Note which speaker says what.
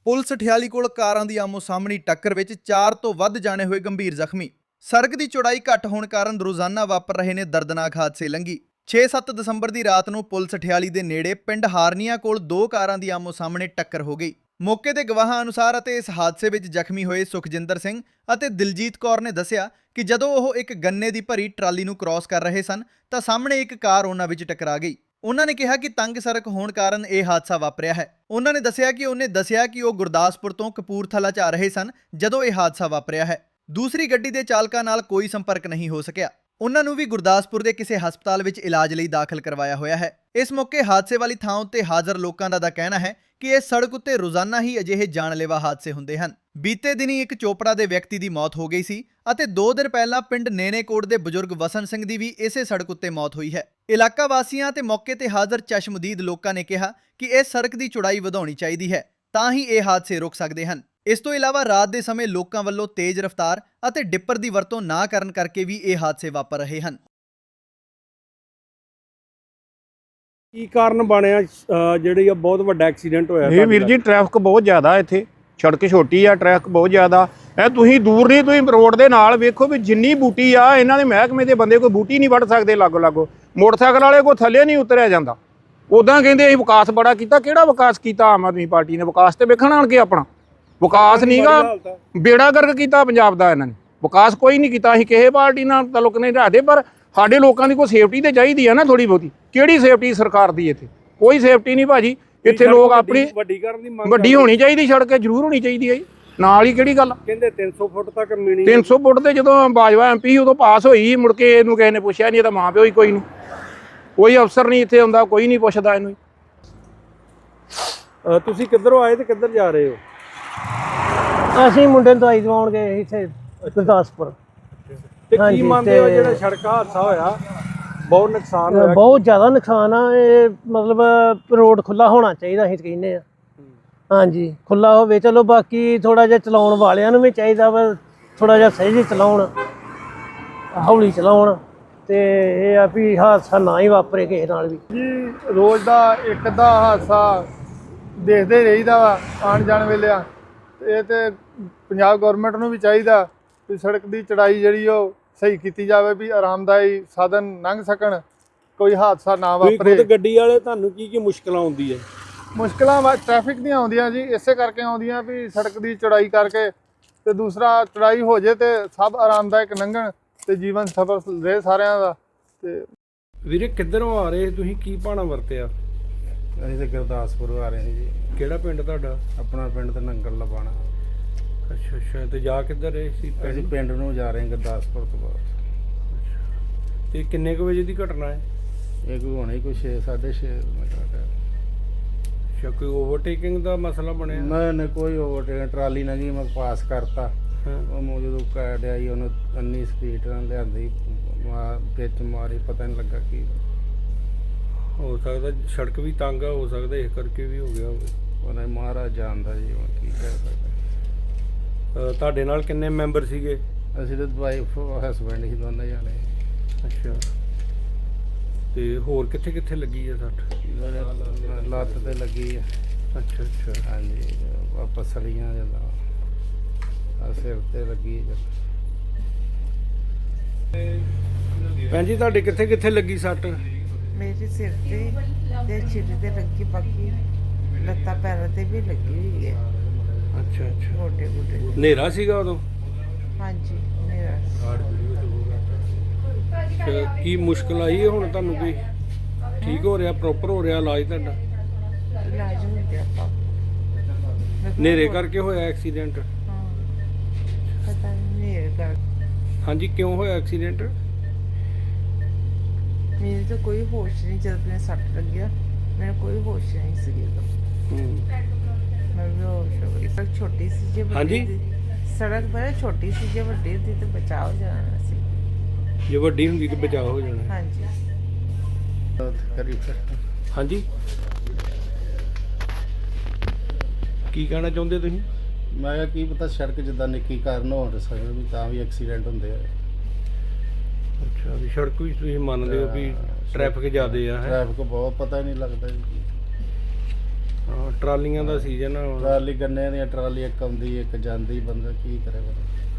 Speaker 1: Police ਠਿਆਲੀ ਕੋਲ ਕਾਰਾਂ ਦੀ ਆਮੋ ਸਾਹਮਣੀ ਟੱਕਰ ਵਿੱਚ 4 ਤੋਂ ਵੱਧ ਜਾਣੇ ਹੋਏ ਗੰਭੀਰ ਜ਼ਖਮੀ। ਸੜਕ ਦੀ ਚੌੜਾਈ ਘੱਟ ਹੋਣ ਕਾਰਨ ਰੋਜ਼ਾਨਾ ਵਾਪਰ ਰਹੇ ਨੇ ਦਰਦਨਾਕ ਹਾਦਸੇ ਲੰਘੀ। 6-7 ਦਸੰਬਰ ਦੀ ਰਾਤ ਨੂੰ ਪੁਲਿਸ ਠਿਆਲੀ ਦੇ ਨੇੜੇ ਪਿੰਡ ਹਾਰਨੀਆਂ ਕੋਲ 2 ਕਾਰਾਂ ਦੀ ਆਮੋ ਸਾਹਮਣੇ ਟੱਕਰ ਹੋ ਗਈ। ਮੌਕੇ ਦੇ ਗਵਾਹਾਂ ਅਨੁਸਾਰ ਅਤੇ ਇਸ ਹਾਦਸੇ ਵਿੱਚ ਜ਼ਖਮੀ ਹੋਏ ਸੁਖਜਿੰਦਰ ਸਿੰਘ ਅਤੇ ਦਿਲਜੀਤ ਕੌਰ ਨੇ ਦੱਸਿਆ ਕਿ ਜਦੋਂ ਉਹ ਇੱਕ ਗੰਨੇ ਦੀ ਭਰੀ ਟਰਾਲੀ ਨੂੰ ਕ੍ਰਾਸ ਕਰ ਰਹੇ ਸਨ ਤਾਂ ਸਾਹਮਣੇ ਇੱਕ ਕਾਰ ਉਹਨਾਂ ਵਿੱਚ ਟਕਰਾ ਗਈ। ਉਹਨਾਂ ਨੇ ਕਿਹਾ ਕਿ ਤੰਗ ਸੜਕ ਹੋਣ ਕਾਰਨ ਇਹ ਹਾਦਸਾ ਵਾਪਰਿਆ ਹੈ। ਉਹਨਾਂ ਨੇ ਦੱਸਿਆ ਕਿ ਉਹ ਗੁਰਦਾਸਪੁਰ ਤੋਂ ਕਪੂਰਥਲਾ ਜਾ ਰਹੇ ਸਨ ਜਦੋਂ ਇਹ ਹਾਦਸਾ ਵਾਪਰਿਆ ਹੈ। ਦੂਸਰੀ ਗੱਡੀ ਦੇ ਚਾਲਕਾਂ ਨਾਲ ਕੋਈ ਸੰਪਰਕ ਨਹੀਂ ਹੋ ਸਕਿਆ। ਉਹਨਾਂ ਨੂੰ ਵੀ ਗੁਰਦਾਸਪੁਰ ਦੇ ਕਿਸੇ ਹਸਪਤਾਲ ਵਿੱਚ ਇਲਾਜ ਲਈ ਦਾਖਲ ਕਰਵਾਇਆ ਹੋਇਆ ਹੈ। ਇਸ ਮੌਕੇ ਹਾਦਸੇ ਵਾਲੀ ਥਾਂ ਉੱਤੇ ਹਾਜ਼ਰ ਲੋਕਾਂ ਦਾ ਕਹਿਣਾ ਹੈ ਕਿ ਇਸ ਸੜਕ ਉੱਤੇ ਰੋਜ਼ਾਨਾ ਹੀ ਅਜਿਹੇ ਜਾਨਲੇਵਾ ਹਾਦਸੇ ਹੁੰਦੇ ਹਨ। ਬੀਤੇ ਦਿਨੀ ਇੱਕ ਚੋਪੜਾ ਦੇ ਵਿਅਕਤੀ ਦੀ ਮੌਤ ਹੋ ਗਈ ਸੀ ਅਤੇ 2 ਦਿਨ ਪਹਿਲਾਂ ਪਿੰਡ ਨੇਨੇਕੋਟ ਦੇ ਬਜ਼ੁਰਗ ਵਸਨ ਸਿੰਘ ਦੀ ਵੀ ਇਸੇ ਸੜਕ ਉੱਤੇ ਮੌਤ ਹੋਈ ਹੈ। ਇਲਾਕਾ ਵਾਸੀਆਂ ਤੇ ਮੌਕੇ ਤੇ ਹਾਜ਼ਰ ਚਸ਼ਮਦੀਦ ਲੋਕਾਂ ਨੇ ਕਿਹਾ ਕਿ ਇਸ ਸੜਕ ਦੀ ਚੌੜਾਈ ਵਧਾਉਣੀ ਚਾਹੀਦੀ ਹੈ ਤਾਂ ਹੀ ਇਹ ਹਾਦਸੇ ਰੁਕ ਸਕਦੇ ਹਨ। ਇਸ ਤੋਂ ਇਲਾਵਾ ਰਾਤ ਦੇ ਸਮੇਂ ਲੋਕਾਂ ਵੱਲੋਂ ਤੇਜ਼ ਰਫ਼ਤਾਰ ਅਤੇ ਡਿੱਪਰ ਦੀ ਵਰਤੋਂ ਨਾ ਕਰਨ ਕਰਕੇ ਵੀ ਇਹ ਹਾਦਸੇ ਵਾਪਰ ਰਹੇ ਹਨ।
Speaker 2: ਕੀ ਕਾਰਨ ਬਣਿਆ ਜਿਹੜੀ ਆ ਬਹੁਤ ਵੱਡਾ ਐਕਸੀਡੈਂਟ ਹੋਇਆ?
Speaker 3: ਇਹ ਵੀਰ ਜੀ ਟ੍ਰੈਫਿਕ ਬਹੁਤ ਜ਼ਿਆਦਾ ਇੱਥੇ, ਸੜਕ ਛੋਟੀ ਆ, ਟ੍ਰੈਫਿਕ ਬਹੁਤ ਜ਼ਿਆਦਾ ਹੈ। ਤੁਸੀਂ ਦੂਰ ਨਹੀਂ, ਤੁਸੀਂ ਰੋਡ ਦੇ ਨਾਲ ਵੇਖੋ ਵੀ ਜਿੰਨੀ ਬੂਟੀ ਆ, ਇਹਨਾਂ ਦੇ ਮਹਿਕਮੇ ਦੇ ਬੰਦੇ ਕੋਈ ਬੂਟੀ ਨਹੀਂ ਵੱਢ ਸਕਦੇ ਲਾਗੋ। ਮੋਟਰਸਾਈਕਲ ਵਾਲੇ ਕੋਈ ਥੱਲੇ ਨਹੀਂ ਉਤਰਿਆ ਜਾਂਦਾ। ਉੱਦਾਂ ਕਹਿੰਦੇ ਅਸੀਂ ਵਿਕਾਸ ਬੜਾ ਕੀਤਾ। ਕਿਹੜਾ ਵਿਕਾਸ ਕੀਤਾ ਆਮ ਆਦਮੀ ਪਾਰਟੀ ਨੇ? ਵਿਕਾਸ ਤੇ ਵੇਖਣ ਆਣ ਕੇ ਆਪਣਾ ਵਿਕਾਸ ਨਹੀਂਗਾ, ਬੇੜਾ ਗਰਕ ਕੀਤਾ ਪੰਜਾਬ ਦਾ ਇਹਨਾਂ ਨੇ। ਵਿਕਾਸ ਕੋਈ ਨਹੀਂ ਕੀਤਾ। ਅਸੀਂ ਕਿਸੇ ਪਾਰਟੀ ਨਾਲ ਤਾਲੁਕ ਨਹੀਂ ਰੱਖਦੇ, ਪਰ ਸਾਡੇ ਲੋਕਾਂ ਦੀ ਕੋਈ ਸੇਫਟੀ ਤੇ ਚਾਹੀਦੀ ਆ ਨਾ ਥੋੜੀ ਬਹੁਤੀ। ਕਿਹੜੀ ਸੇਫਟੀ ਸਰਕਾਰ ਦੀ? ਇੱਥੇ ਕੋਈ ਸੇਫਟੀ ਨਹੀਂ ਭਾਜੀ। ਇੱਥੇ ਲੋਕ ਆਪਣੀ ਵੱਡੀ ਹੋਣੀ ਚਾਹੀਦੀ, ਸੜਕ ਜ਼ਰੂਰ ਹੋਣੀ ਚਾਹੀਦੀ ਹੈ ਜੀ। ਨਾਲ ਹੀ ਕਿਹੜੀ ਗੱਲ
Speaker 2: ਕਹਿੰਦੇ 300 ਫੁੱਟ ਤੱਕ ਮਿਣੀ।
Speaker 3: 300 ਫੁੱਟ ਤੇ ਜਦੋਂ ਬਾਜਵਾ ਐਮਪੀ ਉਦੋਂ ਪਾਸ ਹੋਈ, ਮੁੜ ਕੇ ਇਹਨੂੰ ਕਿਸੇ ਨੇ ਪੁੱਛਿਆ ਨਹੀਂ। ਇਹਦਾ ਮਾਂ ਪਿਓ ਹੀ ਕੋਈ ਨਹੀਂ, ਕੋਈ ਅਫਸਰ ਨਹੀਂ ਇੱਥੇ ਆਉਂਦਾ, ਕੋਈ ਨਹੀਂ ਪੁੱਛਦਾ ਇਹਨੂੰ।
Speaker 2: ਤੁਸੀਂ ਕਿੱਧਰੋਂ ਆਏ ਤੇ ਕਿੱਧਰ ਜਾ ਰਹੇ ਹੋ?
Speaker 4: ਅਸੀਂ ਮੁੰਡੇ ਨੂੰ ਦਵਾਈ ਦਵਾਉਣ ਗਏ ਇੱਥੇ ਗੁਰਦਾਸਪੁਰ।
Speaker 2: ਤੇ ਕੀ ਮੰਨਦੇ ਹੋ ਜਿਹੜਾ ਸੜਕ ਹਾਦਸਾ ਹੋਇਆ? ਬਹੁਤ ਨੁਕਸਾਨ ਹੋਇਆ,
Speaker 4: ਬਹੁਤ ਜ਼ਿਆਦਾ ਨੁਕਸਾਨ ਆ। ਇਹ ਮਤਲਬ ਰੋਡ ਖੁੱਲਾ ਹੋਣਾ ਚਾਹੀਦਾ, ਅਸੀਂ ਕਹਿੰਦੇ ਆ। ਹਾਂਜੀ, ਖੁੱਲਾ ਹੋਵੇ। ਚਲੋ ਬਾਕੀ ਥੋੜਾ ਜਿਹਾ ਚਲਾਉਣ ਵਾਲਿਆਂ ਨੂੰ ਵੀ ਚਾਹੀਦਾ ਵਾ ਥੋੜਾ ਜਿਹਾ ਸਹੀ ਚਲਾਉਣ, ਹੌਲੀ ਚਲਾਉਣ, ਤੇ ਇਹ ਆ ਵੀ ਹਾਦਸਾ ਨਾ ਹੀ ਵਾਪਰੇ ਕਿਸੇ ਨਾਲ ਵੀ।
Speaker 5: ਜੀ ਰੋਜ਼ ਦਾ ਇੱਕ ਅੱਧਾ ਹਾਦਸਾ ਦੇਖਦੇ ਰਹੀਦਾ ਵਾ ਆਉਣ ਜਾਣ ਵੇਲੇ ਆ। ਇਹ ਤੇ ਪੰਜਾਬ ਗੌਰਮੈਂਟ ਨੂੰ ਵੀ ਚਾਹੀਦਾ ਵੀ ਸੜਕ ਦੀ ਚੜਾਈ ਜਿਹੜੀ ਉਹ ਸਹੀ ਕੀਤੀ ਜਾਵੇ, ਵੀ ਆਰਾਮਦਾਈ ਸਾਧਨ ਲੰਘ ਸਕਣ, ਕੋਈ ਹਾਦਸਾ ਨਾ ਵਾਪਰੇ।
Speaker 2: ਖੁਦ ਗੱਡੀ ਵਾਲੇ ਤੁਹਾਨੂੰ ਕੀ ਮੁਸ਼ਕਲਾਂ ਆਉਂਦੀ ਹੈ?
Speaker 5: ਮੁਸ਼ਕਲਾਂ ਟ੍ਰੈਫਿਕ ਦੀਆਂ ਆਉਂਦੀਆਂ ਜੀ, ਇਸੇ ਕਰਕੇ ਆਉਂਦੀਆਂ ਵੀ ਸੜਕ ਦੀ ਚੜਾਈ ਕਰਕੇ, ਤੇ ਦੂਸਰਾ ਚੜਾਈ ਹੋ ਜੇ ਤੇ ਸਭ ਆਰਾਮਦਾਇਕ ਲੰਘਣ ਤੇ ਜੀਵਨ ਸਫਲ ਰਹੇ ਸਾਰਿਆਂ ਦਾ। ਤੇ
Speaker 2: ਵੀਰੇ ਕਿੱਧਰੋਂ ਆ ਰਹੇ ਤੁਸੀਂ? ਕੀ ਭਾਣਾ ਵਰਤਿਆ?
Speaker 6: ਅਸੀਂ ਤਾਂ ਗੁਰਦਾਸਪੁਰ ਆ ਰਹੇ ਹਾਂ ਜੀ।
Speaker 2: ਕਿਹੜਾ ਪਿੰਡ ਤੁਹਾਡਾ?
Speaker 6: ਆਪਣਾ ਪਿੰਡ ਤਾਂ ਨੰਗਲ ਲਵਾਣਾ।
Speaker 2: ਅੱਛਾ। ਤੇ ਜਾ ਕਿੱਧਰ ਰਹੇ ਸੀ?
Speaker 6: ਅਸੀਂ ਪਿੰਡ ਨੂੰ ਜਾ ਰਹੇ ਹਾਂ ਗੁਰਦਾਸਪੁਰ ਤੋਂ ਬਾਅਦ।
Speaker 2: ਤੇ ਕਿੰਨੇ ਕੁ ਵਜੇ ਦੀ ਘਟਨਾ ਹੈ?
Speaker 6: ਇਹ ਕੋਈ ਹੋਣਾ ਹੀ ਕੋਈ 6-6:30 ਮਿੰਟ ਦਾ।
Speaker 2: ਅੱਛਾ, ਕੋਈ ਓਵਰਟੇਕਿੰਗ ਦਾ ਮਸਲਾ ਬਣਿਆ?
Speaker 6: ਨਹੀਂ ਕੋਈ ਓਵਰਟੇਕ, ਟਰਾਲੀ ਨਾ ਗਈ, ਮੈਂ ਪਾਸ ਕਰਤਾ। ਉਹ ਜਦੋਂ ਕਾਟਿਆ ਜੀ ਉਹਨੂੰ ਇੰਨੀ ਸਪੀਡ ਨਾਲ ਲਿਆਂਦੀ, ਵਿੱਚ ਮਾਰੀ, ਪਤਾ ਨਹੀਂ ਲੱਗਾ ਕੀ
Speaker 2: ਹੋ ਸਕਦਾ। ਸੜਕ ਵੀ ਤੰਗ ਆ, ਹੋ ਸਕਦਾ ਇਸ ਕਰਕੇ ਵੀ ਹੋ ਗਿਆ ਹੋਵੇ।
Speaker 6: ਉਹਨੇ ਮਹਾਰਾਜ ਜਾਣਦਾ ਜੀ, ਹੁਣ ਕੀ ਕਹਿ ਸਕਦਾ।
Speaker 2: ਤੁਹਾਡੇ ਨਾਲ ਕਿੰਨੇ ਮੈਂਬਰ ਸੀਗੇ?
Speaker 6: ਅਸੀਂ ਤਾਂ ਵਾਈਫ ਹਸਬੈਂਡ ਹੀ ਦੋਨੇ ਜਾਣੇ।
Speaker 2: ਅੱਛਾ। ਤੇ ਹੋਰ ਕਿੱਥੇ ਕਿੱਥੇ ਲੱਗੀ ਹੈ ਸੱਟ?
Speaker 6: ਲੱਤ ਤੇ ਲੱਗੀ ਹੈ।
Speaker 2: ਅੱਛਾ।
Speaker 6: ਹਾਂਜੀ, ਪਸਲੀਆਂ ਜਦੋਂ ਸਿਰ ਤੇ ਲੱਗੀ।
Speaker 2: ਭੈਣ ਜੀ ਤੁਹਾਡੇ ਕਿੱਥੇ ਕਿੱਥੇ ਲੱਗੀ ਸੱਟ?
Speaker 7: ਮੇਰੇ ਸਿਰ ਤੇ ਛਿੱਲ ਤੇ ਲੱਗੀ, ਬਾਕੀ ਲੱਤਾਂ ਪੈਰਾਂ ਤੇ ਵੀ ਲੱਗੀ ਹੋਈ ਹੈ।
Speaker 2: ਅੱਛਾ।
Speaker 7: ਗੋਡੇ
Speaker 2: ਹਨੇਰਾ ਸੀਗਾ ਉਦੋਂ?
Speaker 7: ਹਾਂਜੀ, ਮੇਰਾ
Speaker 2: ਕੀ ਮੁਸ਼ਕਲ ਆਈ ਹੈ ਹੁਣ ਤੁਹਾਨੂੰ? ਕੋਈ ਠੀਕ ਹੋ ਰਿਹਾ, ਪ੍ਰੋਪਰ ਹੋ ਰਿਹਾ ਇਲਾਜ ਤੁਹਾਡਾ?
Speaker 7: ਇਲਾਜ ਹੋ ਗਿਆ ਆਪਾਂ।
Speaker 2: ਹਨੇਰੇ ਕਰਕੇ ਹੋਇਆ ਐਕਸੀਡੈਂਟ?
Speaker 7: ਹਾਂ, ਪਤਾ ਨਹੀਂ ਹਨੇਰੇ ਕਰ।
Speaker 2: ਹਾਂਜੀ, ਕਿਉਂ ਹੋਇਆ ਐਕਸੀਡੈਂਟ?
Speaker 7: ਮੈਨੂੰ ਤਾਂ ਕੋਈ ਹੋਸ਼ ਨਹੀਂ, ਜਦ ਮੈਨੂੰ ਸੱਟ ਲੱਗਿਆ ਮੈਨੂੰ ਕੋਈ ਹੋਸ਼ ਨਹੀਂ ਸੀ। ਮੈਂ ਬੇਹੋਸ਼ ਹੋ ਗਈ। ਸੜਕ ਛੋਟੀ ਸੀ ਜੇ ਵੱਡੀ, ਸੜਕ ਬੜਾ ਛੋਟੀ ਸੀ, ਜੇ ਵੱਡੀ ਹੁੰਦੀ ਤਾਂ ਬਚਾਅ ਹੋ ਜਾਣਾ ਸੀ।
Speaker 2: ਜੇ ਵੱਡੀ ਹੁੰਦੀ ਤਾਂ ਬਚਾਅ ਹੋ ਜਾਣਾ।
Speaker 7: ਹਾਂਜੀ।
Speaker 2: ਹਾਂਜੀ, ਕੀ ਕਹਿਣਾ ਚਾਹੁੰਦੇ ਤੁਸੀਂ?
Speaker 6: ਮੈਂ ਕਿਹਾ ਕੀ ਪਤਾ ਸੜਕ ਜਿੱਦਾਂ ਨਿੱਕੀ ਕਾਰਨ ਹੋ ਸਕਦਾ ਵੀ ਤਾਂ ਵੀ ਐਕਸੀਡੈਂਟ ਹੁੰਦੇ ਆ।
Speaker 2: ਅੱਛਾ, ਵੀ ਸੜਕ ਵੀ ਤੁਸੀਂ ਮੰਨਦੇ ਹੋ ਵੀ ਟ੍ਰੈਫਿਕ ਜ਼ਿਆਦੇ ਆ?
Speaker 6: ਟ੍ਰੈਫਿਕ ਬਹੁਤ, ਪਤਾ ਹੀ ਨਹੀਂ ਲੱਗਦਾ ਜੀ।
Speaker 2: ਹਾਂ ਟਰਾਲੀਆਂ ਦਾ ਸੀਜ਼ਨ ਆ ਹੁਣ।
Speaker 6: ਟਰਾਲੀ ਗੰਨੇ ਦੀਆਂ ਟਰਾਲੀ ਇੱਕ ਆਉਂਦੀ ਇੱਕ ਜਾਂਦੀ, ਬੰਦਾ ਕੀ ਕਰੇ ਬੰਦਾ।